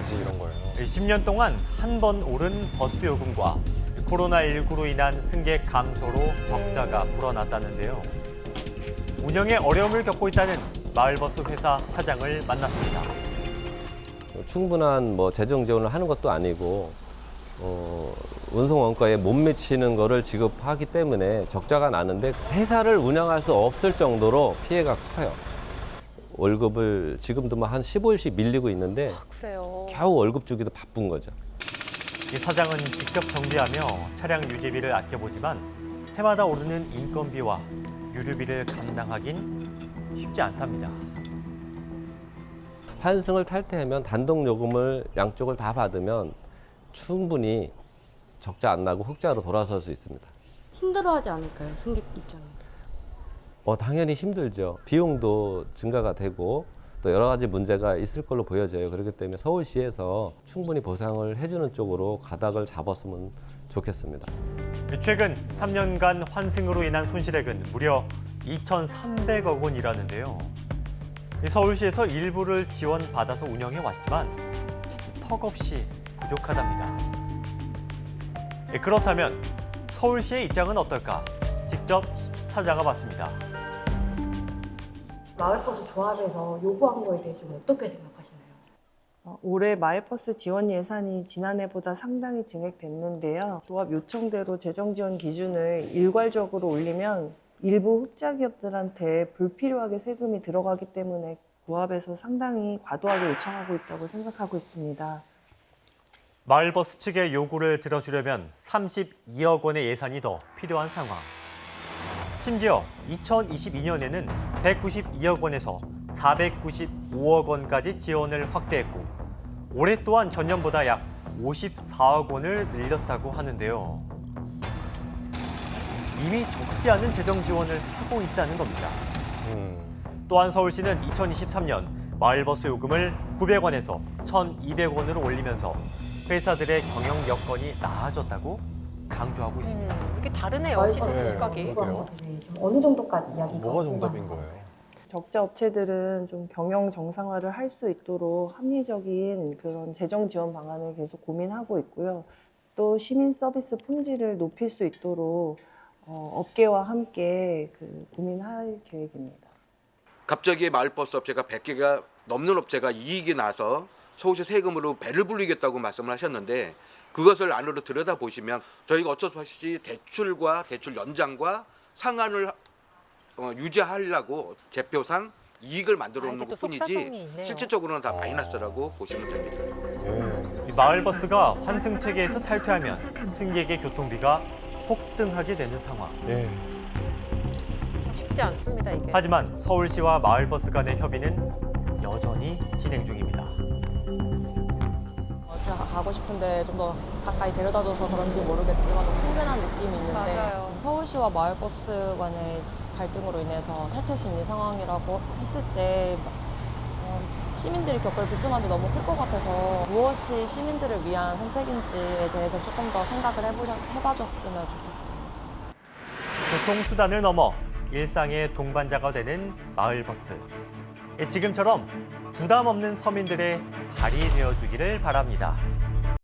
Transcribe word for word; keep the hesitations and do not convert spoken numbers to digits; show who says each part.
Speaker 1: 되지 이런 거예요.
Speaker 2: 십 년 동안 한 번 오른 버스 요금과 코로나십구로 인한 승객 감소로 적자가 불어났다는데요. 운영에 어려움을 겪고 있다는 마을버스 회사 사장을 만났습니다.
Speaker 3: 충분한 뭐 재정 지원을 하는 것도 아니고 어, 운송 원가에 못 미치는 거를 지급하기 때문에 적자가 나는데 회사를 운영할 수 없을 정도로 피해가 커요. 월급을 지금도 뭐 한 십오 일씩 밀리고 있는데
Speaker 4: 그래요.
Speaker 3: 겨우 월급 주기도 바쁜 거죠.
Speaker 2: 이 사장은 직접 정비하며 차량 유지비를 아껴보지만 해마다 오르는 인건비와 유류비를 감당하긴 쉽지 않답니다.
Speaker 3: 환승을 탈퇴하면 단독 요금을 양쪽을 다 받으면 충분히 적자 안 나고 흑자로 돌아설 수 있습니다.
Speaker 5: 힘들어하지 않을까요? 승객 입장에서.
Speaker 3: 어, 당연히 힘들죠. 비용도 증가가 되고 또 여러 가지 문제가 있을 걸로 보여져요. 그렇기 때문에 서울시에서 충분히 보상을 해주는 쪽으로 가닥을 잡았으면 좋겠습니다.
Speaker 2: 최근 삼 년간 환승으로 인한 손실액은 무려 이천삼백억 원이라는데요. 서울시에서 일부를 지원받아서 운영해 왔지만 턱없이 부족하답니다. 그렇다면 서울시의 입장은 어떨까? 직접 찾아가 봤습니다.
Speaker 5: 마을버스 조합에서 요구한 거에 대해 좀 어떻게 생각하시나요?
Speaker 6: 어, 올해 마을버스 지원 예산이 지난해보다 상당히 증액됐는데요. 조합 요청대로 재정 지원 기준을 일괄적으로 올리면 일부 흑자 기업들한테 불필요하게 세금이 들어가기 때문에 조합에서 상당히 과도하게 요청하고 있다고 생각하고 있습니다.
Speaker 2: 마을버스 측의 요구를 들어주려면 삼십이억 원의 예산이 더 필요한 상황. 심지어 이천이십이 년에는 백구십이억 원에서 사백구십오억 원까지 지원을 확대했고 올해 또한 전년보다 약 오십사억 원을 늘렸다고 하는데요. 이미 적지 않은 재정 지원을 하고 있다는 겁니다.
Speaker 1: 음.
Speaker 2: 또한 서울시는 이천이십삼 년 마을버스 요금을 구백 원에서 천이백 원으로 올리면서 회사들의 경영 여건이 나아졌다고 강조하고 있습니다.
Speaker 4: 음, 이렇게 다르네요, 시선
Speaker 1: 네.
Speaker 4: 시각이.
Speaker 5: 요구한 것에 대해 좀 어느 정도까지 이야기가
Speaker 1: 뭐가
Speaker 5: 오가는
Speaker 1: 정답인
Speaker 5: 건가요?
Speaker 1: 거예요?
Speaker 6: 적자 업체들은 좀 경영 정상화를 할 수 있도록 합리적인 그런 재정 지원 방안을 계속 고민하고 있고요. 또 시민 서비스 품질을 높일 수 있도록 어, 업계와 함께 그 고민할 계획입니다.
Speaker 7: 갑자기 마을버스 업체가 백 개가 넘는 업체가 이익이 나서 서울시 세금으로 배를 불리겠다고 말씀을 하셨는데 그것을 안으로 들여다보시면 저희가 어쩔 수 없이 대출과 대출 연장과 상한을 어, 유지하려고 제표상 이익을 만들어
Speaker 4: 아,
Speaker 7: 놓은
Speaker 4: 이게 또
Speaker 7: 것뿐이지
Speaker 4: 속사정이 있네요.
Speaker 7: 실질적으로는 다 마이너스라고 보시면 됩니다.
Speaker 1: 예.
Speaker 2: 이 마을버스가 환승 체계에서 탈퇴하면 승객의 교통비가 폭등하게 되는 상황.
Speaker 1: 예.
Speaker 4: 참 쉽지 않습니다, 이게.
Speaker 2: 하지만 서울시와 마을버스 간의 협의는 여전히 진행 중입니다.
Speaker 8: 어, 제가 가고 싶은데 좀 더 가까이 데려다줘서 그런지 모르겠지만 좀 친근한 느낌이 있는데
Speaker 4: 맞아요.
Speaker 8: 서울시와 마을버스 간의 갈등으로 인해서 탈퇴 심리 상황이라고 했을 때 어, 시민들이 겪을 불편함이 너무 클 것 같아서 무엇이 시민들을 위한 선택인지에 대해서 조금 더 생각을 해보자, 해봐줬으면 좋겠습니다.
Speaker 2: 교통수단을 넘어 일상의 동반자가 되는 마을버스. 지금처럼 부담 없는 서민들의 발이 되어주기를 바랍니다.